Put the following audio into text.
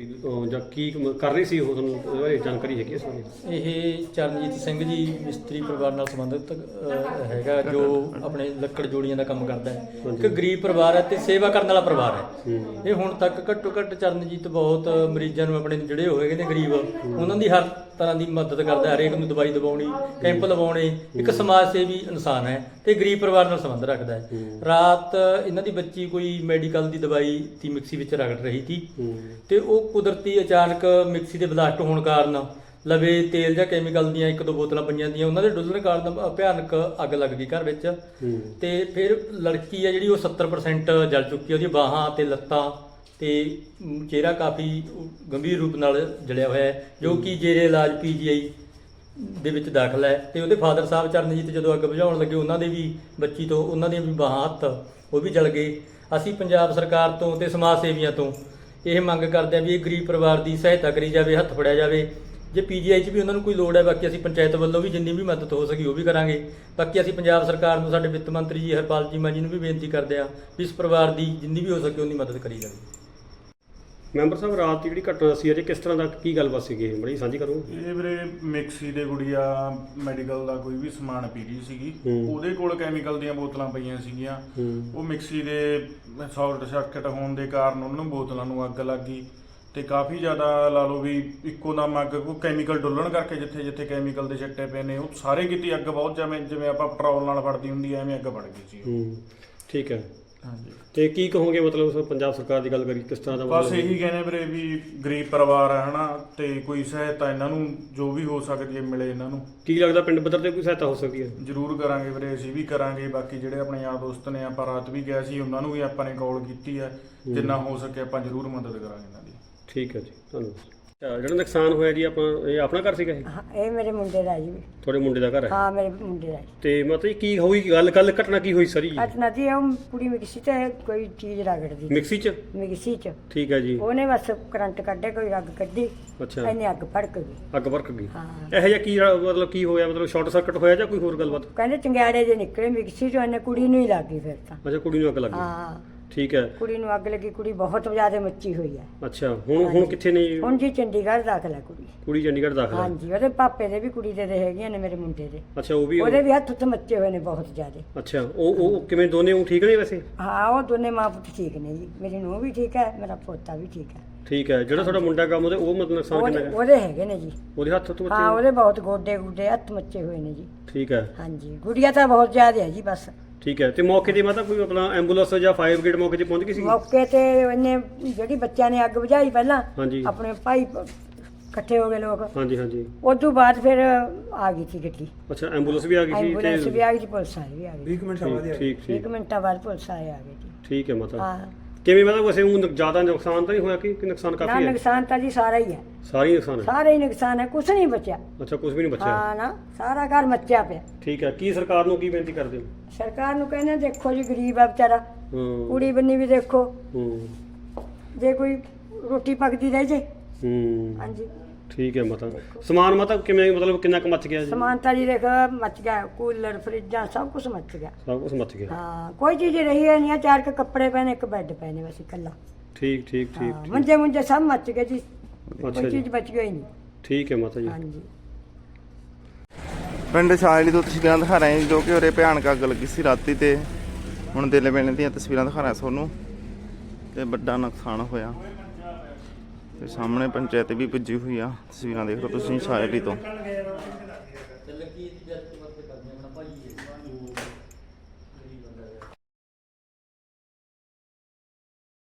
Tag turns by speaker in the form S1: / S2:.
S1: ਜਾਂ ਕੀ ਕਰ ਰਹੀ ਸੀ ਉਹ, ਤੁਹਾਨੂੰ ਉਹਦੇ ਬਾਰੇ ਜਾਣਕਾਰੀ ਹੈਗੀ ਇਸ ਬਾਰੇ?
S2: ਇਹ ਚਰਨਜੀਤ ਸਿੰਘ ਜੀ ਮਿਸਤਰੀ ਪਰਿਵਾਰ ਨਾਲ ਸੰਬੰਧਿਤ ਹੈਗਾ, ਜੋ ਆਪਣੇ ਲੱਕੜ ਜੋੜੀਆਂ ਦਾ ਕੰਮ ਕਰਦਾ ਹੈ। ਇੱਕ ਗਰੀਬ ਪਰਿਵਾਰ ਹੈ ਤੇ ਸੇਵਾ ਕਰਨ ਵਾਲਾ ਪਰਿਵਾਰ ਹੈ। ਇਹ ਹੁਣ ਤੱਕ ਘੱਟੋ ਘੱਟ ਚਰਨਜੀਤ ਬਹੁਤ ਮਰੀਜ਼ਾਂ ਨੂੰ ਆਪਣੇ ਜਿਹੜੇ ਹੋਏ ਨੇ ਗਰੀਬ, ਉਹਨਾਂ ਦੀ ਹਰ ਤਰ੍ਹਾਂ ਦੀ ਮਦਦ ਕਰਦਾ ਹੈ। ਹਰੇਕ ਨੂੰ ਦਵਾਈ ਦਿਵਾਉਣੀ, ਕੈਂਪ ਲਵਾਉਣੇ। ਇੱਕ ਸਮਾਜ ਸੇਵੀ ਇਨਸਾਨ ਹੈ ਤੇ ਗਰੀਬ ਪਰਿਵਾਰ ਨਾਲ ਸੰਬੰਧ ਰੱਖਦਾ ਹੈ। ਰਾਤ ਇਹਨਾਂ ਦੀ ਬੱਚੀ ਕੋਈ ਮੈਡੀਕਲ ਦੀ ਦਵਾਈ ਦੀ ਮਿਕਸੀ ਵਿੱਚ ਰਗੜ ਰਹੀ ਸੀ ਤੇ ਉਹ ਕੁਦਰਤੀ ਅਚਾਨਕ ਮਿਕਸੀ ਦੇ ਬਲਾਸਟ ਹੋਣ ਕਾਰਨ ਲਵੇ ਤੇਲ ਜਾਂ ਕੈਮੀਕਲ ਦੀਆਂ 1-2 ਬੋਤਲਾਂ ਪਈਆਂ ਦੀਆਂ, ਉਹਨਾਂ ਦੇ ਡੁੱਲਣ ਕਾਰਨ ਭਿਆਨਕ ਅੱਗ ਲੱਗ ਗਈ ਘਰ ਵਿੱਚ। ਤੇ ਫਿਰ ਲੜਕੀ ਹੈ ਜਿਹੜੀ ਉਹ 70% ਜਲ ਚੁੱਕੀ ਹੈ। ਉਹਦੀਆਂ ਬਾਹਾਂ ਤੇ ਲੱਤਾਂ ਤੇ ਚਿਹਰਾ ਕਾਫੀ ਗੰਭੀਰ ਰੂਪ ਨਾਲ ਜਲਿਆ ਹੋਇਆ ਹੈ, ਜੋ ਕਿ ਜੇਰੇ ਇਲਾਜ PGI ਦੇ ਵਿੱਚ ਦਾਖਲ ਹੈ। ਤੇ ਉਹਦੇ ਫਾਦਰ ਸਾਹਿਬ ਚਰਨਜੀਤ ਜਦੋਂ ਅੱਗ ਬੁਝਾਉਣ ਲੱਗੇ, ਉਹਨਾਂ ਦੇ ਵੀ ਬੱਚੀ ਤੋਂ ਉਹਨਾਂ ਦੀਆਂ ਵੀ ਬਾਹਾਂ ਹੱਥ ਉਹ ਵੀ ਜਲ ਗਏ। ਅਸੀਂ ਪੰਜਾਬ ਸਰਕਾਰ ਤੋਂ ਤੇ ਸਮਾਜ ਸੇਵੀਆਂ ਤੋਂ ਇਹ ਮੰਗ ਕਰਦੇ ਹਾਂ ਵੀ ਇਹ ਗਰੀਬ ਪਰਿਵਾਰ ਦੀ ਸਹਾਇਤਾ ਕਰੀ ਜਾਵੇ, ਹੱਥ ਫੜਿਆ ਜਾਵੇ। ਜੇ PGI 'ਚ ਵੀ ਉਹਨਾਂ ਨੂੰ ਕੋਈ ਲੋੜ ਹੈ, ਬਾਕੀ ਅਸੀਂ ਪੰਚਾਇਤ ਵੱਲੋਂ ਵੀ ਜਿੰਨੀ ਵੀ ਮਦਦ ਹੋ ਸਕੀ ਉਹ ਵੀ ਕਰਾਂਗੇ। ਬਾਕੀ ਅਸੀਂ ਪੰਜਾਬ ਸਰਕਾਰ ਨੂੰ, ਸਾਡੇ ਵਿੱਤ ਮੰਤਰੀ ਜੀ ਹਰਪਾਲ ਚੀਮਾ ਜੀ ਨੂੰ ਵੀ ਬੇਨਤੀ ਕਰਦੇ ਹਾਂ ਵੀ ਇਸ ਪਰਿਵਾਰ ਦੀ ਜਿੰਨੀ ਵੀ ਹੋ ਸਕੇ ਉਨੀ ਮਦਦ ਕਰੀ ਜਾਵੇ।
S1: ਮੈਂਬਰ ਸਾਹਿਬ, ਰਾਤ ਦੀ ਜਿਹੜੀ ਘਟਨਾ ਸੀ ਅਜੇ ਕਿਸ ਤਰ੍ਹਾਂ ਦਾ ਕੀ ਗੱਲਬਾਤ ਸੀਗੀ, ਇਹ ਬੜੀ ਸਾਂਝੀ ਕਰੋ।
S3: ਇਹ ਵੀਰੇ ਮਿਕਸੀ ਦੇ ਗੁੜੀਆ ਮੈਡੀਕਲ ਦਾ ਕੋਈ ਵੀ ਸਮਾਨ ਪੀ ਰਹੀ ਸੀਗੀ, ਉਹਦੇ ਕੋਲ ਕੈਮੀਕਲ ਦੀਆਂ ਬੋਤਲਾਂ ਪਈਆਂ ਸੀਗੀਆਂ। ਉਹ ਮਿਕਸੀ ਦੇ ਸ਼ਾਰਟ ਸਰਕਟ ਹੋਣ ਦੇ ਕਾਰਨ ਉਹਨਾਂ ਨੂੰ ਬੋਤਲਾਂ ਨੂੰ ਅੱਗ ਲੱਗ ਗਈ ਤੇ ਕਾਫੀ ਜ਼ਿਆਦਾ ਲਾ ਲਓ ਵੀ ਇੱਕੋ ਦਮ ਅੱਗ, ਕੋਈ ਕੈਮੀਕਲ ਡੁੱਲਣ ਕਰਕੇ ਜਿੱਥੇ ਜਿੱਥੇ ਕੈਮੀਕਲ ਦੇ ਛਿੱਟੇ ਪਏ ਨੇ ਉਹ ਸਾਰੇ ਕਿਤੇ ਅੱਗ ਬਹੁਤ ਜਿਵੇਂ ਆਪਾਂ ਪੈਟਰੋਲ ਨਾਲ ਫੜਦੀ ਹੁੰਦੀ ਐਵੇਂ ਅੱਗ ਫੜ ਗਈ ਸੀ।
S1: ਠੀਕ ਹੈ।
S3: ਹਾਂਜੀ,
S1: ਤੇ ਕੀ ਕਹੋਗੇ ਮਤਲਬ ਪੰਜਾਬ ਸਰਕਾਰ ਦੀ ਗੱਲ ਕਰੀ ਕਿਸ ਤਰ੍ਹਾਂ ਦਾ?
S3: ਬਸ ਇਹੀ ਕਹਿੰਦੇ ਵੀਰੇ ਵੀ ਗਰੀਬ ਪਰਿਵਾਰ ਹੈ ਹਨਾ, ਤੇ ਕੋਈ ਸਹਾਇਤਾ ਇਹਨਾਂ ਨੂੰ ਜੋ ਵੀ ਹੋ ਸਕਦੀ ਹੈ ਮਿਲੇ ਇਹਨਾਂ ਨੂੰ।
S1: ਕੀ ਲੱਗਦਾ ਪਿੰਡ ਪੱਧਰ ਤੇ ਕੋਈ ਸਹਾਇਤਾ ਹੋ ਸਕਦੀ ਹੈ?
S3: ਜ਼ਰੂਰ ਕਰਾਂਗੇ ਵੀਰੇ, ਅਸੀਂ ਵੀ ਕਰਾਂਗੇ। ਬਾਕੀ ਜਿਹੜੇ ਆਪਣੇ ਯਾਰ ਦੋਸਤ ਨੇ, ਆਪਾਂ ਰਾਤ ਵੀ ਗਿਆ ਸੀ, ਉਹਨਾਂ ਨੂੰ ਵੀ ਆਪਾਂ ਨੇ ਕਾਲ ਕੀਤੀ ਹੈ। ਜਿੰਨਾ ਹੋ ਸਕੇ ਆਪਾਂ ਜ਼ਰੂਰ ਮਦਦ ਕਰਾਂਗੇ ਇਹਨਾਂ ਦੀ।
S1: ਠੀਕ ਹੈ ਜੀ, ਧੰਨਵਾਦ। ਜਿਹੜਾ ਨੁਕਸਾਨ ਹੋਇਆ ਜੀ, ਇਹ ਆਪਣਾ ਘਰ ਸੀਗਾ?
S4: ਇਹ ਮੇਰੇ ਮੁੰਡੇ ਦਾ ਜੀ।
S1: ਤੁਹਾਡੇ ਮੁੰਡੇ ਦਾ ਘਰ ਹੈ?
S4: ਹਾਂ, ਮੇਰੇ ਮੁੰਡੇ ਦਾ।
S1: ਤੇ ਮਤਲਬ ਕੀ ਹੋਈ ਗੱਲ ਘਟਨਾ ਕੀ ਹੋਈ ਸਾਰੀ?
S4: ਘਟਨਾ ਜੀ ਉਹ ਕੁੜੀ ਮਿਕਸੀ ਤੇ ਕੋਈ ਚੀਜ਼ ਰਗੜਦੀ
S1: ਮਿਕਸੀ 'ਚ?
S4: ਮਿਕਸੀ 'ਚ।
S1: ਠੀਕ ਹੈ ਜੀ।
S4: ਉਹਨੇ ਬਸ ਕਰੰਟ ਕੱਢੇ, ਕੋਈ ਅੱਗ ਕੱਢੀ।
S1: ਅੱਛਾ।
S4: ਇਹਨੇ ਅੱਗ ਭੜਕ ਗਈ।
S1: ਅੱਗ ਭੜਕ ਗਈ?
S4: ਹਾਂ।
S1: ਇਹੋ ਜਿਹਾ ਕੀ ਮਤਲਬ ਕੀ ਹੋਇਆ? ਮਤਲਬ ਸ਼ਾਰਟ ਸਰਕਟ ਹੋਇਆ ਜਾਂ ਕੋਈ ਹੋਰ ਗੱਲਬਾਤ?
S4: ਕਹਿੰਦੇ ਚੰਗਿਆੜੇ ਜੇ ਨਿਕਲੇ ਮਿਕਸੀ 'ਚੋਂ, ਇਹਨੇ ਕੁੜੀ ਨੂੰ ਹੀ ਲੱਗ ਗਈ ਫਿਰ ਤਾਂ।
S1: ਅੱਛਾ, ਕੁੜੀ ਨੂੰ ਅੱਗ ਲੱਗ ਗਈ।
S4: ਹਾਂ,
S1: ਠੀਕ ਹੈ।
S4: ਕੁੜੀ ਨੂੰ ਅੱਗ ਲੱਗੀ, ਕੁੜੀ ਬਹੁਤ ਜ਼ਿਆਦਾ ਮੱਚੀ ਹੋਈ ਹੈ।
S1: ਅੱਛਾ, ਹੁਣ ਕਿੱਥੇ ਨੇ?
S4: ਹੁਣ ਜੀ ਚੰਡੀਗੜ੍ਹ ਦਾਖਲ ਹੈ ਕੁੜੀ।
S1: ਕੁੜੀ ਚੰਡੀਗੜ੍ਹ ਦਾਖਲ ਹੈ?
S4: ਹਾਂਜੀ, ਉਹਦੇ ਪਾਪੇ ਦੇ ਵੀ ਕੁੜੀ ਦੇ ਹੈਗੀਆਂ ਨੇ, ਮੇਰੇ ਮੁੰਡੇ ਦੇ।
S1: ਅੱਛਾ, ਉਹ ਵੀ?
S4: ਉਹਦੇ ਵੀ ਹੱਥ ਉੱਤੇ ਮੱਚੇ ਹੋਏ ਨੇ ਬਹੁਤ ਜ਼ਿਆਦਾ।
S1: ਅੱਛਾ, ਉਹ ਕਿਵੇਂ ਦੋਨੇ ਉਹ ਠੀਕ ਨੇ ਵੈਸੇ?
S4: ਹਾਂ, ਉਹ ਦੋਨੇ ਮਾਂ ਪੁੱਤ ਠੀਕ ਨੇ ਜੀ। ਮੇਰੀ ਨੂੰਹ ਵੀ ਠੀਕ ਹੈ, ਮੇਰਾ ਪੋਤਾ ਵੀ ਠੀਕ ਹੈ।
S1: ਠੀਕ ਹੈ। ਜਿਹੜਾ ਤੁਹਾਡਾ ਮੁੰਡਾ ਕੰਮ ਉਹਦੇ, ਉਹ ਮਤਲਬ ਨੁਕਸਾਨ ਕਿੰਨਾ ਹੈ?
S4: ਉਹਦੇ ਹੈਗੇ ਨੇ ਜੀ।
S1: ਉਹਦੇ ਹੱਥ ਤੋਂ
S4: ਹਾਂ, ਉਹਦੇ ਬਹੁਤ ਗੋਡੇ ਗੁੱਡੇ ਹੱਥ ਮੱਚੇ ਹੋਏ ਨੇ ਜੀ।
S1: ਠੀਕ ਹੈ।
S4: ਹਾਂਜੀ, ਗੁੜੀਆ ਤਾਂ ਬਹੁਤ ਜ਼ਿਆਦਾ ਹੈ ਜੀ ਬਸ।
S1: ਠੀਕ ਹੈ। ਤੇ ਮੌਕੇ ਤੇ ਮਤਲਬ ਕੋਈ ਆਪਣਾ ਐਂਬੂਲੈਂਸ ਜਾਂ ਫਾਇਰ ਬ੍ਰਿਗੇਡ ਮੌਕੇ ਤੇ ਪਹੁੰਚ ਗਈ ਸੀ?
S4: ਮੌਕੇ ਤੇ ਇਹਨੇ ਜਿਹੜੀ ਬੱਚਿਆਂ ਨੇ ਅੱਗ ਬੁਝਾਈ ਪਹਿਲਾਂ,
S1: ਹਾਂਜੀ।
S4: ਆਪਣੇ ਭਾਈ ਇਕੱਠੇ ਹੋ ਗਏ ਲੋਕ।
S1: ਹਾਂਜੀ ਹਾਂਜੀ।
S4: ਉਸ ਤੋਂ ਬਾਅਦ ਫਿਰ ਆ ਗਈ ਸੀ ਗੱਡੀ।
S1: ਅੱਛਾ, ਐਂਬੂਲੈਂਸ ਵੀ ਆ ਗਈ ਸੀ?
S4: ਐਂਬੂਲੈਂਸ ਵੀ ਆ ਗਈ ਸੀ, ਪੁਲਿਸ ਵਾਲੇ ਵੀ ਆ ਗਏ।
S1: 20 ਮਿੰਟਾਂ ਬਾਅਦ? ਠੀਕ ਠੀਕ।
S4: 1 ਮਿੰਟਾਂ ਬਾਅਦ ਪੁਲਿਸ ਵਾਲੇ ਆ ਗਏ ਜੀ।
S1: ਠੀਕ ਹੈ। ਮਤਲਬ
S4: ਹਾਂ।
S1: ਕਿਵੇਂ ਮਤਲਬ ਵੈਸੇ ਉਹ ਜ਼ਿਆਦਾ ਨੁਕਸਾਨ ਤਾਂ ਨਹੀਂ ਹੋਇਆ ਕਿ ਨੁਕਸਾਨ
S4: ਨਾ,
S1: ਕਾਫੀ ਹੈ?
S4: ਨੁਕਸਾਨ ਤਾਂ ਜੀ ਸਾਰਾ ਹੀ ਹੈ।
S1: ਸਾਰਾ ਹੀ ਨੁਕਸਾਨ ਹੈ?
S4: ਸਾਰਾ ਹੀ ਨੁਕਸਾਨ ਹੈ, ਕੁਛ ਨਹੀਂ ਬਚਿਆ।
S1: ਅੱਛਾ, ਕੁਝ ਵੀ ਨਹੀਂ ਬਚਿਆ?
S4: ਹਾਂ ਨਾ, ਸਾਰਾ ਘਰ ਮੱਚਿਆ ਪਿਆ।
S1: ਠੀਕ ਹੈ। ਕੀ ਸਰਕਾਰ ਨੂੰ ਕੀ ਬੇਨਤੀ ਕਰਦੇ ਹੋ?
S4: ਸਰਕਾਰ ਨੂੰ ਕਹਿੰਦੇ ਦੇਖੋ ਜੀ, ਗਰੀਬ ਆ ਵਿਚਾਰਾ, ਕੁੜੀ ਬੰਨੀ ਵੀ ਦੇਖੋ, ਜੇ ਕੋਈ ਰੋਟੀ ਪੱਕਦੀ ਰਹਿ ਜੇ। ਹਾਂਜੀ।
S1: ਠੀਕ ਹੈ। ਮਤਲਬ ਸਮਾਨ ਮਤਲਬ ਕਿਵੇਂ, ਮਤਲਬ ਕਿੰਨਾ ਕੁ ਮੱਚ ਗਿਆ ਜੀ?
S4: ਸਮਾਨ ਤਾਂ ਜੀ ਦੇਖ ਮੱਚ ਗਿਆ, ਕੂਲਰ ਫਰਿੱਜਾਂ ਸਭ ਕੁਝ ਮੱਚ ਗਿਆ।
S1: ਸਭ ਕੁਝ ਮੱਚ ਗਿਆ?
S4: ਹਾਂ, ਕੋਈ ਚੀਜ਼ ਰਹੀ ਹੈ ਨਹੀਂ। 4 ਕੱਪੜੇ ਪਏ ਨੇ, 1 ਬੈੱਡ ਪਏ ਨੇ ਬਸ ਇਕੱਲਾ।
S1: ਠੀਕ ਠੀਕ ਠੀਕ।
S4: ਮੰਜੇ ਮੁੰਜੇ ਸਭ ਮੱਚ ਗਏ ਜੀ,
S1: ਅੱਛਾ
S4: ਕੋਈ
S1: ਜੀ।
S4: ਚੀਜ਼ ਬਚ ਗਈ ਨਹੀਂ।
S1: ਠੀਕ ਹੈ ਮਾਤਾ ਜੀ।
S4: ਹਾਂਜੀ।
S5: ਪਿੰਡ ਸ਼ਾਇਲੀ ਤੋਂ ਤਸਵੀਰਾਂ ਦਿਖਾ ਰਹੇ ਹਾਂ ਜੋ ਕਿ ਉਰੇ ਭਿਆਨਕ ਅੱਗ ਲੱਗੀ ਸੀ ਰਾਤੀ, ਤੇ ਹੁਣ ਦਿਲੇ ਵੇਲੇ ਦੀਆਂ ਤਸਵੀਰਾਂ ਦਿਖਾ ਰਿਹਾ ਤੁਹਾਨੂੰ, ਤੇ ਵੱਡਾ ਨੁਕਸਾਨ ਹੋਇਆ। ਤੇ ਸਾਹਮਣੇ ਪੰਚਾਇਤ ਵੀ ਪੁੱਜੀ ਹੋਈ ਆ, ਤਸਵੀਰਾਂ ਦੇਖ ਲਓ ਤੁਸੀਂ ਸ਼ਾਇਲੀ ਤੋਂ।
S2: ਲੱਗੀ ਜੱਟ ਮਤ ਕਰਦੇ ਆਪਣਾ ਭਾਈ